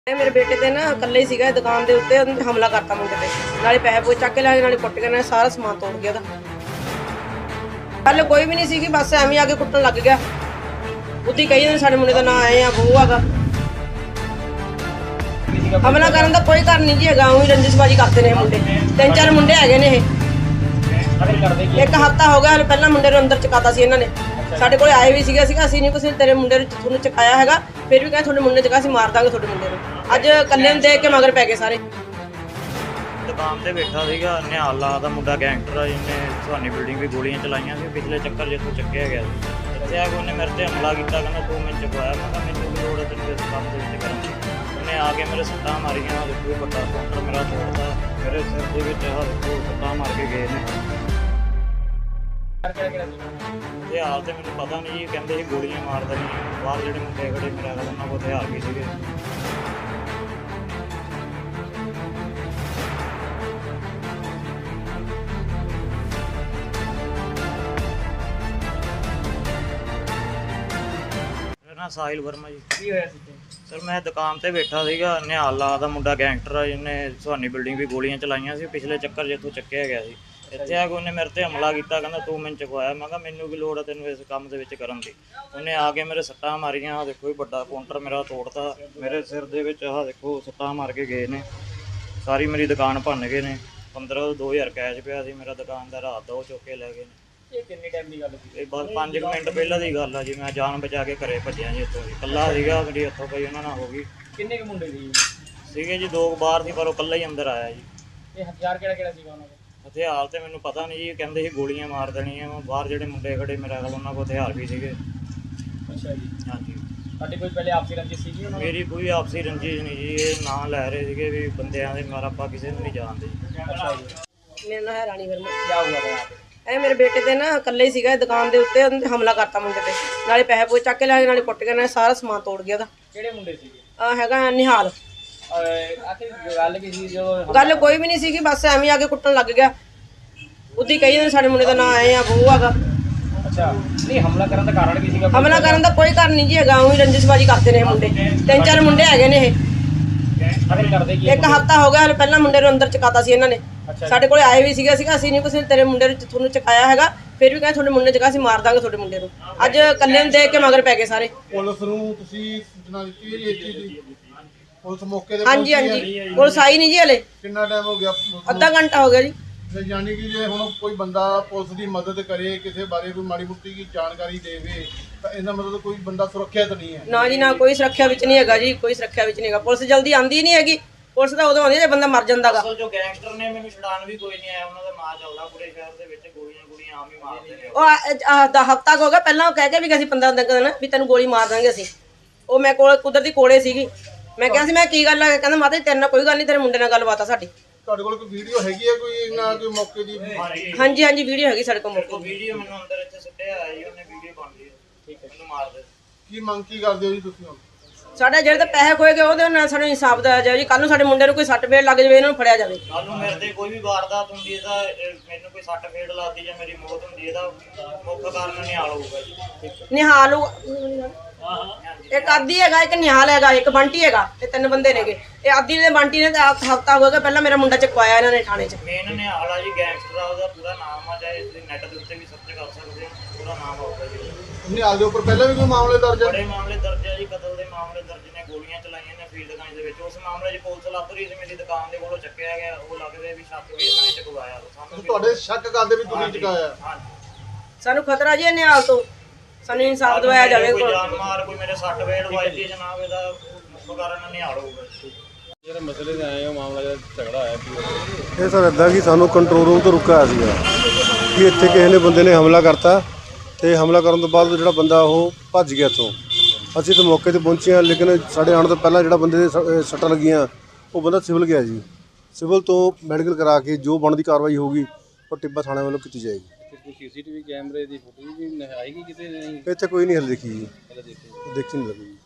मेरे बेटे ते ना कल्ले ही सीगा दुकान दे उत्ते हमला करता मुंडे ते नाले पैसे पूसे चक के लाए नाले कुट के नाले सारा समान तोड़ गया था। कल कोई भी नहीं सी बस एवं आके कुटन लग गया उदी कही जांदे साडे मुंडे दा नाम आए आ वो आगा हमला करन दा कोई कारण नहीं जी हैगा उही रंजिशबाजी करते ने मुंडे तीन चार मुंडे हैगे ने एक हफ्ता हो गया हले पहला मुंडे नूं अंदर चकाता सी इन्हां ने ਸਾਡੇ ਕੋਲੇ ਆਏ ਵੀ ਸੀਗਾ ਅਸੀਂ ਨਹੀਂ ਕਿਸੇ ਤੇਰੇ ਮੁੰਡੇ ਨੂੰ ਤੁਹਾਨੂੰ ਚਕਾਇਆ ਹੈਗਾ ਫਿਰ ਵੀ ਕਹਿੰਦੇ ਤੁਹਾਡੇ ਮੁੰਡੇ ਚਕਾ ਅਸੀਂ ਮਾਰ ਦਾਂਗੇ ਤੁਹਾਡੇ ਮੁੰਡੇ ਨੂੰ ਅੱਜ ਕੱਲੇ ਨੂੰ ਦੇਖ ਕੇ ਮਗਰ ਪੈ ਗਏ ਸਾਰੇ। ਦੁਕਾਨ ਤੇ ਬੈਠਾ ਸੀਗਾ ਨਿਹਾਲ ਦਾ ਮੁੰਡਾ ਗੈਂਗਸਟਰ ਆ ਜਿਹਨੇ ਸੁਹਾਨੀ ਬਿਲਡਿੰਗ ਵੀ ਗੋਲੀਆਂ ਚਲਾਈਆਂ ਸੀ ਪਿਛਲੇ ਚੱਕਰ ਜਿੱਥੋਂ ਚੱਕਿਆ ਗਿਆ ਸੀ ਇੱਥੇ ਆ ਕੇ ਉਹਨੇ ਮੇਰੇ ਤੇ ਹਮਲਾ ਕੀਤਾ ਕਹਿੰਦਾ ਤੂੰ ਮੈਨੂੰ ਚਕਵਾਇਆ ਮੈਂ ਕਿਹਾ ਮੈਨੂੰ ਲੋੜ ਹੈ ਤੈਨੂੰ ਇਸ ਕੰਮ ਦੇ ਵਿੱਚ ਕਰਨ ਦੀ ਉਹਨੇ ਆ ਕੇ ਮੇਰੇ ਸੱਟਾਂ ਮਾਰੀਆਂ ਦੇਖੋ ਵੱਡਾ ਕਾਊਂਟਰ ਮੇਰਾ ਤੋੜਦਾ ਮੇਰੇ ਸਿਰ ਦੇ ਵਿੱਚ ਆਹ ਦੇਖੋ ਸੱਟਾਂ ਮਾਰ ਕੇ ਗਏ ਨੇ। ਹਥਿਆਰ ਤੇ ਮੈਨੂੰ ਪਤਾ ਨਹੀਂ ਜੀ ਕਹਿੰਦੇ ਸੀ ਗੋਲੀਆਂ ਮਾਰ ਦੇਣੀਆਂ ਬਾਹਰ ਜਿਹੜੇ ਮੁੰਡੇ ਖੜੇ ਮੇਰਾ ਉਹਨਾਂ ਕੋਲ ਹਥਿਆਰ ਵੀ ਸੀਗੇ। ਮੇਰਾ ਨਾਮ ਸਾਹਿਲ ਵਰਮਾ ਜੀ। ਕੀ ਹੋਇਆ ਸੀ ਸਰ ਮੈਂ ਦੁਕਾਨ ਤੇ ਬੈਠਾ ਸੀਗਾ ਨਿਹਾਲ ਦਾ ਮੁੰਡਾ ਗੈਂਗਸਟਰ ਆ ਜਿਹਨੇ ਸੁਹਾਨੀ ਬਿਲਡਿੰਗ ਵੀ ਗੋਲੀਆਂ ਚਲਾਈਆਂ ਸੀ ਪਿਛਲੇ ਚੱਕਰ ਜਿੱਥੋਂ ਚੱਕਿਆ ਗਿਆ ਸੀ ਇੱਥੇ ਆ ਕੇ ਉਹਨੇ ਮੇਰੇ ਤੇ ਹਮਲਾ ਕੀਤਾ ਕਹਿੰਦਾ ਤੂੰ ਮੈਨੂੰ ਚਕਵਾਇਆ ਮੈਂ ਕਿਹਾ ਮੈਨੂੰ ਕੀ ਲੋੜ ਹੈ ਤੈਨੂੰ ਇਸ ਕੰਮ ਦੇ ਵਿੱਚ ਕਰਨ ਦੀ ਉਹਨੇ ਆ ਕੇ ਮੇਰੇ ਸੱਟਾਂ ਮਾਰੀਆਂ ਆਹ ਦੇਖੋ ਵੱਡਾ ਕਾਊਂਟਰ ਮੇਰਾ ਤੋੜਤਾ ਮੇਰੇ ਸਿਰ ਦੇ ਵਿੱਚ ਆਹ ਦੇਖੋ ਸੱਟਾਂ ਮਾਰ ਕੇ ਗਏ ਨੇ ਸਾਰੀ ਮੇਰੀ ਦੁਕਾਨ ਭੰਨ ਗਏ ਨੇ 15-2000 ਕੈਸ਼ ਪਿਆ ਸੀ ਮੇਰਾ ਦੁਕਾਨ ਦਾ ਰਾਤ ਦਾ ਉਹ ਚੁੱਕ ਕੇ ਲੈ ਗਏ ਨੇ। ਇਹ ਕਿੰਨੇ ਟਾਈਮ ਦੀ ਗੱਲ ਸੀ? ਇਹ ਬਸ 5 ਮਿੰਟ ਪਹਿਲਾਂ ਦੀ ਗੱਲ ਆ ਜੀ ਮੈਂ ਜਾਨ ਬਚਾ ਕੇ ਘਰੇ ਭੱਜਿਆ ਜੀ ਇੱਥੋਂ ਇਕੱਲਾ ਸੀਗਾ ਮੇਰੀ ਹੱਥੋਂ ਪਈ ਉਹਨਾਂ ਨਾਲ ਹੋ ਗਈ। ਕਿੰਨੇ ਕੁ ਮੁੰਡੇ ਸੀ? ਸੀਗੇ ਜੀ 2 ਬਾਹਰ ਸੀ ਪਰ ਉਹ ਇਕੱਲਾ ਹੀ ਅੰਦਰ ਆਇਆ ਜੀ। ਇਹ ਹਥਿਆਰ ਕਿਹੜਾ ਕਿਹੜਾ ਸੀਗਾ ਉਹਨਾਂ ਕੋਲ? ਹਥਿਆਰ ਤੇ ਮੈਨੂੰ ਪਤਾ ਨਹੀਂ ਜੀ ਕਹਿੰਦੇ ਸੀ ਗੋਲੀਆਂ ਮਾਰ ਦੇਣੀਆਂ ਬਾਹਰ ਜਿਹੜੇ ਮੁੰਡੇ ਖੜੇ ਮੇਰੇ ਕੋਲ ਉਹਨਾਂ ਕੋਲ ਹਥਿਆਰ ਵੀ ਸੀਗੇ। ਅੱਛਾ ਜੀ। ਹਾਂਜੀ ਤੁਹਾਡੀ ਕੋਈ ਪਹਿਲੇ ਆਪਸੀ ਰੰਜਿਸ਼ ਸੀਗੀ ਉਹਨਾਂ ਨਾਲ? ਮੇਰੀ ਕੋਈ ਆਪਸੀ ਰੰਜਿਸ਼ ਨਹੀਂ ਜੀ ਇਹ ਨਾਂ ਲੈ ਰਹੇ ਸੀਗੇ ਵੀ ਬੰਦਿਆਂ ਦੇ ਮਾਰ ਆਪਾਂ ਕਿਸੇ ਨੂੰ ਨਹੀਂ ਜਾਣਦੇ। ਅੱਛਾ ਜੀ। ਮੇਰਾ ਨਾਮ ਹੈ ਰਾਣੀ ਵਰਮਾ। ਕੀ ਹੋਇਆ था यहाँ पे? ਇਹ ਮੇਰੇ ਬੇਟੇ ਤੇ ਨਾ ਕੱਲੇ ਹੀ ਸੀਗਾ ਦੁਕਾਨ ਦੇ ਉੱਤੇ ਹਮਲਾ ਕਰਤਾ ਮੁੰਡੇ ਤੇ ਨਾਲੇ ਪੈਸੇ ਪੂਸੇ ਚੱਕ ਕੇ ਲਾਏ ਨਾਲੇ ਕੁੱਟ ਕੇ ਨਾਲੇ ਸਾਰਾ ਸਮਾਨ ਤੋੜ ਗਿਆ ਉਹਦਾ। ਕਿਹੜੇ ਮੁੰਡੇ ਸੀਗੇ? ਆ ਹੈਗਾ ਨਿਹਾਲ। ਆਖਿਰ ਗੱਲ ਕੀ ਸੀ ਜਦੋਂ ਗੱਲ ਕੋਈ ਵੀ ਨਹੀਂ ਸੀਗੀ ਬਸ ਐਵੇਂ ਆ ਕੇ ਕੁੱਟਣ ਲੱਗ ਗਿਆ ਉਦੀ ਕਹੀ ਜਾਂਦੇ ਸਾਡੇ ਮੁੰਡੇ ਦਾ ਨਾਮ ਆਏ ਆ ਉਹ ਆਗਾ। ਅੱਛਾ ਨਹੀਂ ਹਮਲਾ ਕਰਨ ਦਾ ਕਾਰਨ ਕੀ ਸੀਗਾ? ਹਮਲਾ ਕਰਨ ਦਾ ਕੋਈ ਕਾਰਨ ਨਹੀਂ ਜੀ ਹੈਗਾ ਉही ਰੰਜਿਸ਼ਬਾਜੀ ਕਰਦੇ ਨੇ ਮੁੰਡੇ ਤਿੰਨ ਚਾਰ ਮੁੰਡੇ ਹੈਗੇ ਨੇ ਇਹ ਆਖਿਰ ਕਰਦੇ ਕੀ? ਇੱਕ ਹਫ਼ਤਾ ਹੋ ਗਿਆ ਹਲੇ ਪਹਿਲਾਂ ਮੁੰਡੇ ਨੂੰ ਅੰਦਰ ਚਕਾਤਾ ਸੀ ਇਹਨਾਂ ਨੇ ਅੱਛਾ ਸਾਡੇ ਕੋਲੇ ਆਏ ਵੀ ਸੀਗਾ ਅਸੀਂ ਨਹੀਂ ਕਿਸੇ ਤੇਰੇ ਮੁੰਡੇ ਨੂੰ ਤੁਹਾਨੂੰ ਚਕਾਇਆ ਹੈਗਾ ਫਿਰ ਵੀ ਕਹਿੰਦੇ ਤੁਹਾਡੇ ਮੁੰਡੇ ਚਕਾ ਅਸੀਂ ਮਾਰ ਦਾਂਗੇ ਤੁਹਾਡੇ ਮੁੰਡੇ ਨੂੰ ਅੱਜ ਕੱਲੇ ਨੂੰ ਦੇਖ ਕੇ ਮਗਰ ਪੈ ਗਏ ਸਾਰੇ। ਪੁਲਿਸ ਨੂੰ ਤੁਸੀਂ ਸੂਚਨਾ ਦਿੱਤੀ ਹੈ ਜੀ ਇਸ ਚੀਜ਼ ਦੀ? ਪੁਲਿਸ ਮੌਕੇ ਤੇ ਹਾਂਜੀ ਪਹੁੰਚੀ ਹੈ? ਹਾਂਜੀ ਪੁਲਿਸ ਆਈ ਨਹੀਂ ਜੀ ਹਲੇ ਕਿੰਨਾ ਟਾਈਮ ਹੋ ਗਿਆ? ਅੱਧਾ ਘੰਟਾ ਹੋ ਗਿਆ ਜੀ। ਤੇ ਯਾਨੀ ਕਿ ਜੇ ਹੁਣ ਕੋਈ ਬੰਦਾ ਪੁਲਿਸ ਦੀ ਮਦਦ ਕਰੇ ਕਿਸੇ ਬਾਰੇ ਕੋਈ ਮਾੜੀ ਮੁੱਟੀ ਦੀ ਜਾਣਕਾਰੀ ਦੇਵੇ ਤਾਂ ਇਹਦਾ ਮਤਲਬ ਕੋਈ ਬੰਦਾ ਸੁਰੱਖਿਅਤ ਨਹੀਂ ਹੈ? ਨਾ ਜੀ ਨਾ ਕੋਈ ਸੁਰੱਖਿਆ ਵਿੱਚ ਨਹੀਂ ਹੈਗਾ ਜੀ ਕੋਈ ਸੁਰੱਖਿਆ ਵਿੱਚ ਨਹੀਂ ਹੈਗਾ ਪੁਲਿਸ ਜਲਦੀ ਆਂਦੀ ਨਹੀਂ ਹੈਗੀ ਪੁਲਿਸ ਤਾਂ ਉਦੋਂ ਆਉਂਦੀ ਜੇ ਬੰਦਾ ਮਰ ਜਾਂਦਾਗਾ। ਅਸਲ ਜੋ ਗੈਂਗਸਟਰ ਨੇ ਮੈਨੂੰ ਛਡਾਣ ਵੀ ਕੋਈ ਨਹੀਂ ਆਇਆ ਉਹਨਾਂ ਦਾ ਨਾਂ ਚੱਲਦਾ ਪੂਰੇ ਸ਼ਹਿਰ ਦੇ ਵਿੱਚ ਗੋਲੀਆਂ ਆਮ ਹੀ ਮਾਰਦੇ ਨੇ। ਉਹ ਦਾ ਹਫ਼ਤਾ ਹੋ ਗਿਆ ਪਹਿਲਾਂ ਉਹ ਕਹਿ ਕੇ ਵੀ ਅਸੀਂ 15 ਦਿਨ ਵੀ ਤੈਨੂੰ ਗੋਲੀ ਮਾਰ ਦਾਂਗੇ ਅਸੀਂ ਉਹ ਮੈਂ ਕੋਲ ਕੁਦਰਤੀ ਕੋਲੇ ਸੀਗੀ ਮੈਂ ਕਿਹਾ ਸੀ ਮੈਂ ਕੀ ਗੱਲ ਆ ਕਹਿੰਦਾ ਮਾਤਾ ਜੀ ਤੇਰੇ ਨਾਲ ਕੋਈ ਗੱਲ ਨਹੀਂ ਤੇਰੇ ਮੁੰਡੇ ਨਾਲ ਗੱਲਬਾਤ ਆ ਸਾਡੀ। ਤੁਹਾਡੇ ਕੋਲ ਕੋਈ ਵੀਡੀਓ ਹੈਗੀ ਹੈ ਕੋਈ ਇਹਨਾਂ ਕੋਈ ਮੌਕੇ ਦੀ? ਹਾਂਜੀ ਹਾਂਜੀ ਵੀਡੀਓ ਹੈਗੀ ਸਾਡੇ ਕੋਲ ਮੌਕੇ ਉਹ ਵੀਡੀਓ ਮੈਨੂੰ ਅੰਦਰ ਇੱਥੇ ਸੁੱਟਿਆ ਆਇਆ ਜੀ ਉਹਨੇ ਵੀਡੀਓ ਬਣ ਲਈ ਠੀਕ ਹੈ ਮੈਨੂੰ ਮਾਰ ਦੇ। ਕੀ ਮੰਗ ਕੀ ਕਰਦੇ ਹੋ ਜੀ ਤੁਸੀਂ ਹੁਣ? ਸਾਡਾ ਜਿਹੜੇ ਤਾਂ ਪੈਸੇ ਖੋਏ ਗਏ ਉਹਦੇ ਨਾਲ ਸਾਨੂੰ ਇਨਸਾਫ ਦਿਆ ਜਾਵੇ ਜੀ ਕੱਲ ਨੂੰ ਸਾਡੇ ਮੁੰਡੇ ਨੂੰ ਕੋਈ ਸੱਟ ਫੇੜ ਲੱਗ ਜਾਵੇ ਇਹਨਾਂ ਨੂੰ ਫੜਿਆ ਜਾਵੇ। ਕੱਲ ਨੂੰ ਮੇਰੇ ਤੇ ਕੋਈ ਵੀ ਵਾਰਦਾਤ ਹੁੰਦੀ ਹੈ ਤਾਂ ਮੈਨੂੰ ਕੋਈ ਸੱਟ ਫੇੜ ਲੱਗਦੀ ਜਾਂ ਮੇਰੀ ਮੌਤ ਹੁੰਦੀ ਹੈ ਤਾਂ ਮੁੱਖ ਕਾਰਨ ਨਿਹਾਲ ਹੋਊਗਾ ਜੀ। ਠੀਕ ਹੈ ਨਿਹਾਲ ਹਾਂ ਇੱਕ ਆਦੀ ਹੈਗਾ ਇੱਕ ਨਿਹਾਲ ਹੈਗਾ ਇੱਕ ਬੰਟੀ ਹੈਗਾ ਇਹ ਤਿੰਨ ਬੰਦੇ ਨੇਗੇ ਇਹ ਆਦੀ ਨੇ ਬੰਟੀ ਨੇ ਤਾਂ ਹਫ਼ਤਾ ਹੋ ਗਿਆ ਪਹਿਲਾਂ ਮੇਰਾ ਮੁੰਡਾ ਚਕਵਾਇਆ ਇਹਨਾਂ ਨੇ ਥਾਣੇ 'ਚ। ਮੇਨ ਨਿਹਾਲ ਆ ਜੀ ਗੈਂਗਸਟਰ ਆ ਉਹਦਾ ਪੂਰਾ ਨਾਮ ਆ ਚਾਹੇ ਤੁਸੀਂ ਨੈਟ ਦੇ ਉੱਤੇ ਵੀ ਸਰਚ ਕਰ ਸਕਦੇ ਹੋ ਪੂਰਾ ਨਾਮ ਆਊਗਾ ਜੀ। ਨਿਹਾਲ ਦੇ ਉੱਪਰ ਪਹਿਲਾਂ ਵੀ ਕੋਈ ਮਾਮਲੇ ਦਰਜ ਹੈ? ਬੜੇ ਮਾਮਲੇ ਦਰਜ ਆ ਜੀ ਕਤਲ ਦੇ ਮਾਮਲੇ ਦਰਜ ਨੇ ਗੋਲੀਆਂ ਚਲਾਈਆਂ ਨੇ ਫੀਲਡਗੰਜ ਦੇ ਵਿੱਚ ਉਸ ਮਾਮਲੇ 'ਚ ਪੁਲਿਸ ਲੱਭ ਰਹੀ ਸੀ ਮੇਰੀ ਦੁਕਾਨ ਦੇ ਕੋਲੋਂ ਚੱਕਿਆ ਗਿਆ ਉਹ ਲੱਗਦੇ ਵੀ ਛੱਤ ਵੀ ਇਹਨਾਂ ਨੇ ਚਕਵਾਇਆ ਸਾਨੂੰ ਤੁਹਾਡੇ ਸ਼ੱਕ ਕਰਦੇ ਵੀ ਤੁਸੀਂ ਚੁਕਾਇਆ? ਹਾਂਜੀ ਸਾਨੂੰ ਖਤਰਾ ਜੀ ਇਹ ਨਿਹਾਲ ਤੋਂ ਸਾਨੂੰ ਇਨਸਾਫ ਦਿਵਾਇਆ ਜਾਵੇ। ਕੋਈ ਜਾਨ ਮਾਰ ਕੋਈ ਮੇਰੇ ਸੱਟ ਫੇੜ ਵੱਜਦੀ ਜਨਾਬ ਇਹਦਾ ਮੁੱਖ ਕਾਰਨ ਨਿਹਾਲ ਹੋਊਗਾ। ਜਿਹੜੇ ਮਸਲੇ ਤੇ ਆਏ ਹੋ ਮਾਮਲਾ ਜਿਹੜਾ ਝਗੜਾ ਹੋਇਆ ਕੀ? ਇਹ ਸਰ ਇੱਦਾਂ ਕਿ ਸਾਨੂੰ ਕੰਟਰੋਲ ਰੂਮ ਤੋਂ ਰੁਕਿਆ ਸੀਗਾ ਕਿ ਇੱਥੇ ਕਿਸੇ ਨੇ ਬੰਦੇ ਨੇ ਹਮਲਾ ਕਰਤਾ ਤੇ ਹਮਲਾ ਕਰਨ ਤੋਂ ਬਾਅਦ ਜਿਹੜਾ ਬੰਦਾ ਉਹ ਭੱਜ ਗਿਆ ਇੱਥੋਂ। ਅਸੀਂ ਤਾਂ ਮੌਕੇ ਤੇ ਪਹੁੰਚੇ ਹਾਂ ਲੇਕਿਨ ਸਾਡੇ ਆਉਣ ਤੋਂ ਪਹਿਲਾਂ ਜਿਹੜਾ ਬੰਦੇ ਦੇ ਸੱਟਾਂ ਲੱਗੀਆਂ ਉਹ ਬੰਦਾ ਸਿਵਲ ਗਿਆ ਜੀ। ਸਿਵਲ ਤੋਂ ਮੈਡੀਕਲ ਕਰਾ ਕੇ ਜੋ ਬਣਦੀ ਕਾਰਵਾਈ ਹੋਊਗੀ ਉਹ ਟਿੱਬਾ ਥਾਣੇ ਵੱਲੋਂ ਕੀਤੀ ਜਾਏਗੀ। ਕੋਈ ਸੀਸੀਟੀਵੀ ਕੈਮਰੇ ਦੀ ਫੁਟੇਜ ਵੀ ਆਏਗੀ ਕਿਤੇ ਨਹੀਂ? ਇੱਥੇ ਕੋਈ ਨਹੀਂ ਹਲੇ ਦੇਖੀ ਜੀ ਪਹਿਲਾਂ ਦੇਖੀ ਦੇਖੀ ਨਹੀਂ ਲੱਗੀ।